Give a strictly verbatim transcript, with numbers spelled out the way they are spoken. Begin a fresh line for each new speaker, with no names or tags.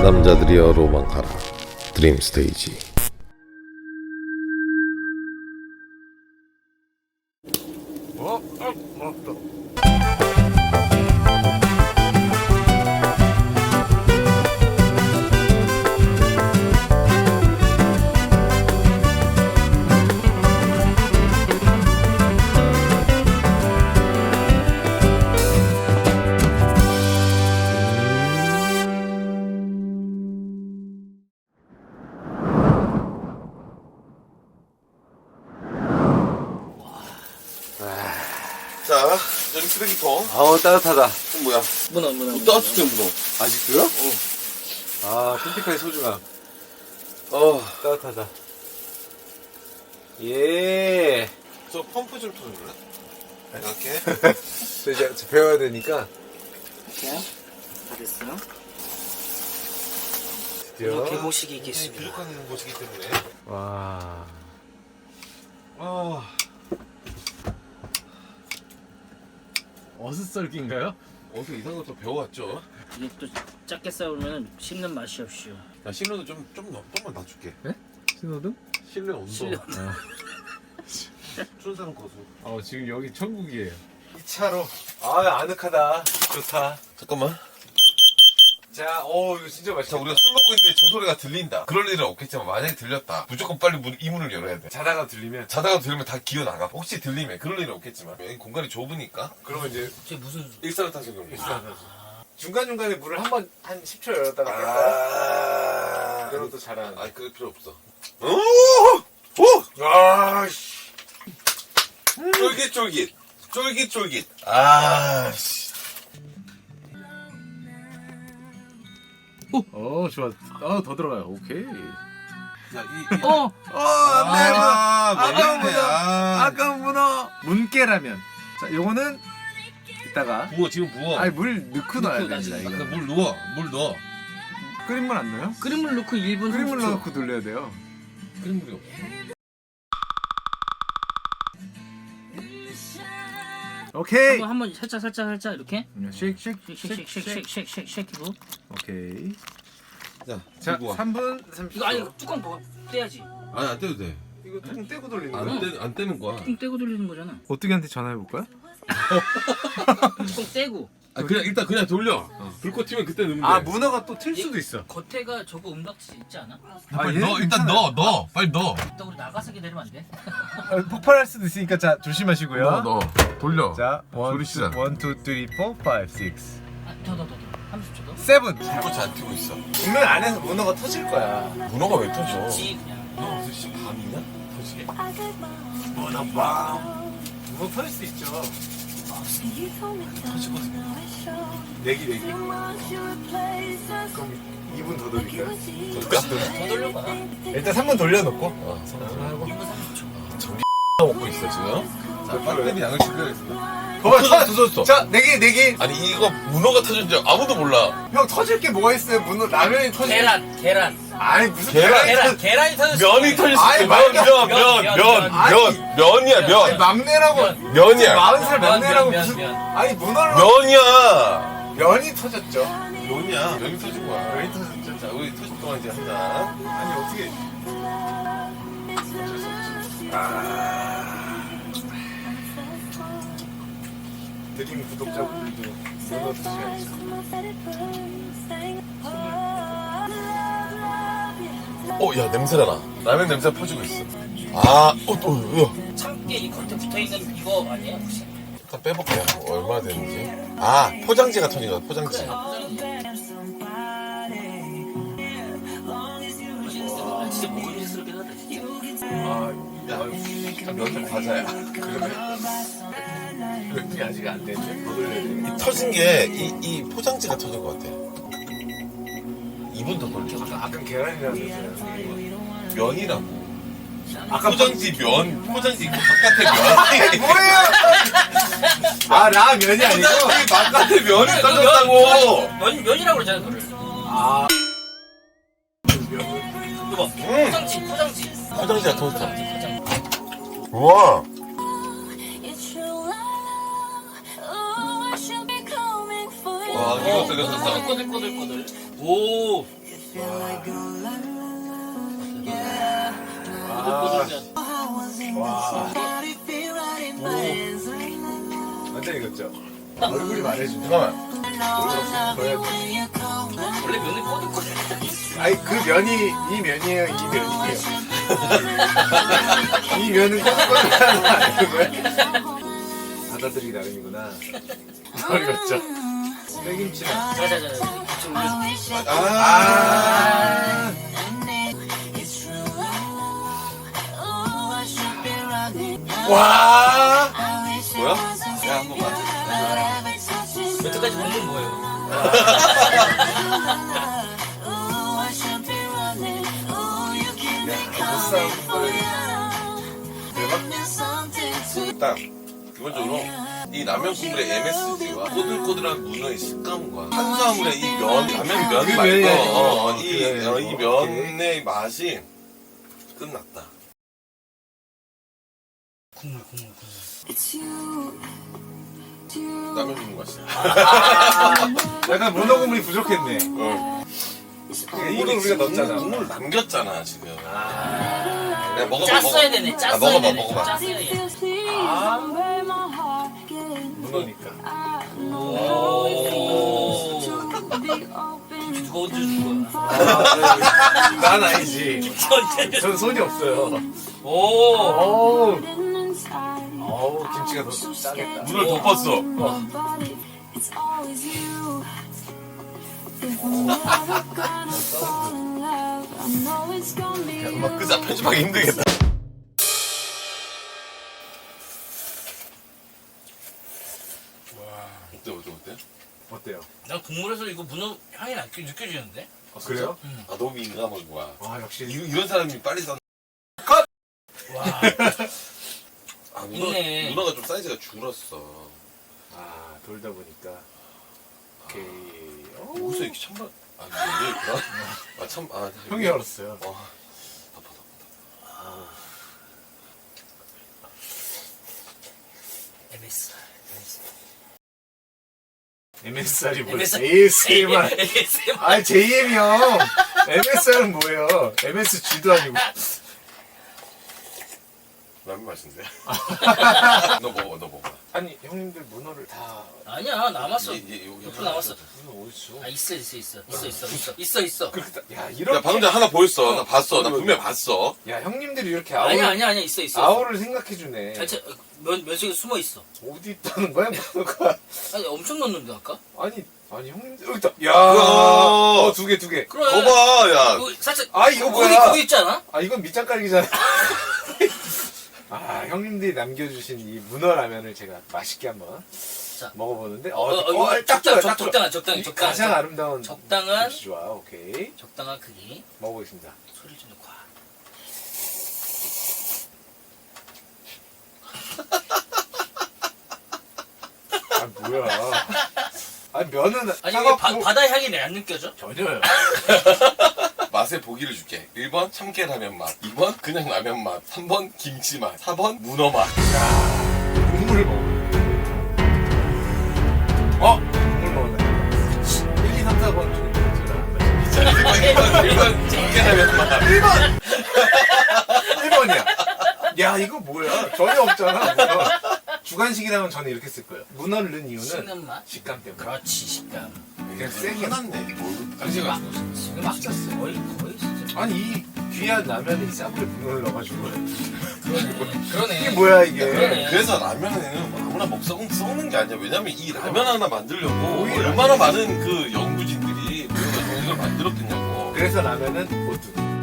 남자들이여 로망하라. 드림 스테이지.
어? 어? 맞다.
자, 여기 쓰레기통.
아우 따뜻하다.
이건 뭐야?
문어 문어
뭐 따뜻해 문어.
아직도요?
어.
아 핀티카의 소중함.
어.
따뜻하다. 예.
저 펌프 좀 틀어줄래? 이렇게.
저 이제 저 배워야 되니까.
이렇게요? 다 됐어요?
드디어.
이렇게 모시기 있겠습니다.
부족한 곳이기 때문에.
와.
아.
어슷썰기인가요?
어디서 이상한 것도 배워왔죠?
이게 또 작게 썰으면 씹는 맛이 없이요.
야, 실내도 좀, 좀, 더- 좀만 낮출게.
신호등?
실내 온도.
실내
어.
춘산 거수.
어 지금 여기 천국이에요. 이 차로. 아 아늑하다. 좋다.
잠깐만.
자, 어 이거 진짜
자,
맛있다.
우리가 술 먹고 있는데 저 소리가 들린다. 그럴 일은 없겠지만 만약에 들렸다. 무조건 빨리 문, 이 문을 열어야 돼.
자다가 들리면
자다가 들으면 다 기어 나가. 혹시 들리면 그럴 일은 없겠지만 여기 공간이 좁으니까
그러면 이제
저 무슨
일산화탄소경보.
중간 중간에 문을 한 번 한 십 초 열었다가 뺐다가
아,
그러면 또 잘하는.
아니 그럴 필요 없어. 오, 오,
아 씨.
쫄깃쫄깃, 쫄깃쫄깃. 아, 씨.
어 좋아. 아더 들어가요. 오케이.
야, 이, 이.
어!
어 안돼.
아,
아까운
매운데.
문어.
아,
아까운 문어. 문깨라면. 자 요거는 이따가.
부어 지금 부어.
아니 물 넣고 넣어야 됩니다.
나중에.
이거.
아까 물 넣어, 물 넣어.
끓인 물 안 넣어요?
끓인 물 넣고 일 분
끓인 물
삼십 초.
넣고 돌려야 돼요.
끓인 물이 없어.
오케이.
한번 한번 살짝 살짝 살짝 이렇게
쉑쉑쉑쉑쉑쉑.
쉑쉑쉑쉑쉑쉑
오케이.
자,
자
들고 와.
삼 분 삼십 초.
이거 아니 뚜껑 뭐 떼야지.
아니 안 떼도 돼.
이거 뚜껑 떼고 돌리는
안
거야?
떼, 안 떼는 거야.
뚜껑 떼고 돌리는 거잖아.
오뚜기한테 전화해 볼까요?
뚜껑 떼고.
아, 그냥 일단 그냥 돌려. 불꽃 튀면 그때 넣으면 돼.
아 문어가 또 틀 수도 있어.
겉에가 저거 은박지 있지 않아?
빨리
얘는
넣어. 일단
괜찮아요.
넣어, 넣어. 빨리 넣어.
이따 우리 나가서 기다리면 안 돼?
어, 폭발할 수도 있으니까 자 조심하시고요.
넣어, 넣어. 돌려.
자, 원,
소리
투,
치잖아.
원, 투, 쓰리, 포, 파이브, 식스,
아, 더 더 더 더. 삼십 초 더.
세븐.
불꽃이 안 튀고 있어.
분명 안에서 문어가 터질 거야.
문어가 왜 터져?
지 그냥.
너 무슨 씨 밤이냐? 터지게?
문어 빵. 문어 터질 수 있죠.
터지거든요.
내기 내기. 그럼 이 분 더 돌릴까요?
그럴까?
더 돌려봐.
일단 삼 분 돌려놓고.
어,
하고.
일 분 삼십 초.
먹고 있어 지금. 자, 빨리 양을 준비하겠습니다.
봐봐,
터졌어, 터졌어.
자, 내기 내기.
아니 이거 문어가 터진 줄 아무도 몰라.
형 터질 게 뭐가 있어요? 문어 라면이 터질.
계란 계란
아니 무슨
계란.
계란 계란이 터졌어.
면이 터질 수
아니,
있어. 면,
말이야.
면, 면,
면,
면,
면.
면, 면이야,
아니,
면.
막내라고.
면.
면이야.
마흔 살
면,
막내라고
면,
무슨?
면.
아니 문어로.
면이야.
면이 터졌죠.
면이야. 면이 터진 거야.
면이 터졌죠.
자, 우리 터질 동안 이제 한다.
아니 어떻게? 드림 구독자분들도 문어 드셔야죠.
어, 야 냄새가 나. 라면 냄새 퍼지고 있어. 아, 어, 또, 어,
참깨 이 겉에 붙어 있는 이거 아니야 혹시?
일단 빼볼게요. 얼마나 되는지. 아, 포장지가 터진 거야. 포장지.
아, 진짜 먹음직스럽긴 하다 진짜.
아,
야, 면좀 과자야.
그러면 면이 아직 안 됐는데 더 돌려야 돼.
이 터진 게, 이, 이 포장지가 터진 것 같아. 이 분 더 돌려.
아까 아까 계란이라고 했잖아요.
면이라고.
아까
포장지 면, 포장지 그 바깥에 면.
뭐예요? 아 라면이 아니고.
포장지 바깥에 면이 떠졌다고.
면 면이라고 그러잖아 그걸.
아
이거 봐.
음.
포장지 포장지.
포장지가 터졌다.
포장지.
우와. 와, 이거 되게 좋다.
꼬들꼬들꼬들. 오.
와. 완전 익었죠? 얼굴이 말해준다.
잠깐만.
원래 면이 꼬들꼬들.
아니 그 면이 이 면이에요, 이 면이에요. 이 면은 꼬들꼬들하는 거 아니는 거야? 받아들이기 나름이구나. 어렵죠. 빼김치랑.
자자자. 지금 우리
아. 와.
뭐야? 야, 한번 맞아.
여태까지 먹는 뭐예요?
딱 기본적으로 이 라면 국물의 엠에스지와 꼬들꼬들한 문어의 식감과 탄수화물의 이 면, 라면 면
그
말고
면이 아니고.
어, 이,
그래.
어, 이 면의 맛이 끝났다.
국물 국물 국물.
라면 국물 맛이야.
약간 문어 국물이 부족했네.
어.
이걸 우리가 넣었잖아.
국물 남겼잖아 지금.
아.
내가 먹어봐.
짰어야
먹어.
되네.
아,
짰어야
먹어봐,
되네.
먹어봐.
짰어야 돼.
아. 문어니까.
오. 누가 얹어준 거야?
난 아니지.
누가 얹어준
전 손이 없어요.
오.
어우. 어우, 김치가 더 짜겠다.
문을 덮었어. 음악 끄자. 편집하기 힘들겠다. 어때 어때 어때?
어때요?
난 국물에서 이거 문어 향이 나- 느껴지는데?
아, 그래요?
아 너무 민감한 거야.
와, 역시.
이, 이런 사람이 빨리 산.
와.
아 문어
있네.
문어가 좀 사이즈가 줄었어.
아, 돌다 보니까. 오케이. 어,
여기서 이렇게 찬밥. 아 이게 그런. 아참 아.
형이 열었어요.
어. 덮어 덮어.
엠에스.
엠에스알이 뭐야?
엠에스알.
에이에스엠알.
에이에스엠알.
아, 제이엠이 형. 엠에스알은 뭐예요? 엠에스지도 아니고.
라면 맛인데. 너 먹어 너 먹어.
아니, 형님들 문어를 다.
아니야 남았어.
얘, 얘, 여기
옆으로 남았어.
문어 어딨어?
아 있어 있어 있어 있어 있어 있어 있어 있어.
그렇게 다- 야, 이렇게.
야 방금 전에 하나 보였어. 나 봤어. 나 분명 히 봤어.
야, 형님들이 이렇게 아우,
아니야 아니야 아니야 있어 있어.
아우를 생각해주네.
전체 면 면식에 숨어 있어.
어디 있다는 거야, 문어가?
아니 엄청 넣는데 아까?
아니, 아니, 형님들. 여기 있다. 야.
우와.
어, 두 개, 두 개.
그래.
거봐 야.
그거 살짝.
아, 이거
거기
뭐야?
거기 있지 않아?
아, 이건 밑장깔기잖아. 아, 형님들이 남겨주신 이 문어 라면을 제가 맛있게 한번
자.
먹어보는데, 어,
어, 어,
어,
이거
딱
적당,
좋아요,
적-
딱 좋아.
적당한, 적당히, 적당한,
가장
적-
아름다운
적당한
김치 좋아. 오케이.
적당한 크기.
먹어보겠습니다.
소리 좀 넣고.
아, 뭐야. 아, 면은
아니
차갑고
이게 바, 바다 향이 안 느껴져?
전혀요.
맛의 보기를 줄게. 일 번 참깨라면 맛, 이 번 그냥 라면 맛, 삼 번 김치 맛, 사 번 문어 맛.
국물을 먹어. 어? 국물 먹는다. 일, 이, 삼, 사 번 중에 제가 안 맞죠.
자, 일 번, 일 번, 일 번 참깨라면 맛.
일 번! 일 번이야. 야, 이거 뭐야? 전혀 없잖아. 문어. 주간식이라면 저는 이렇게 쓸 거예요. 문어를 넣은 이유는
씹는 맛?
식감 때문에.
그렇지 식감.
그냥 세게.
화났네. 뭘 가지가지고.
지금 막 거의 거의 진짜.
아니, 이 귀한 라면에 이 쌈을 문어를 넣어가지고.
그러네. 그러네.
이게 뭐야, 이게.
그러네.
그래서 라면에는 아무나 먹 썩, 썩는 게 아니야. 왜냐면 이 라면 하나 만들려고
오히려
얼마나 많은 그 연구진들이 모여가지고 이걸 만들었겠냐고.
그래서 라면은 오뚜기.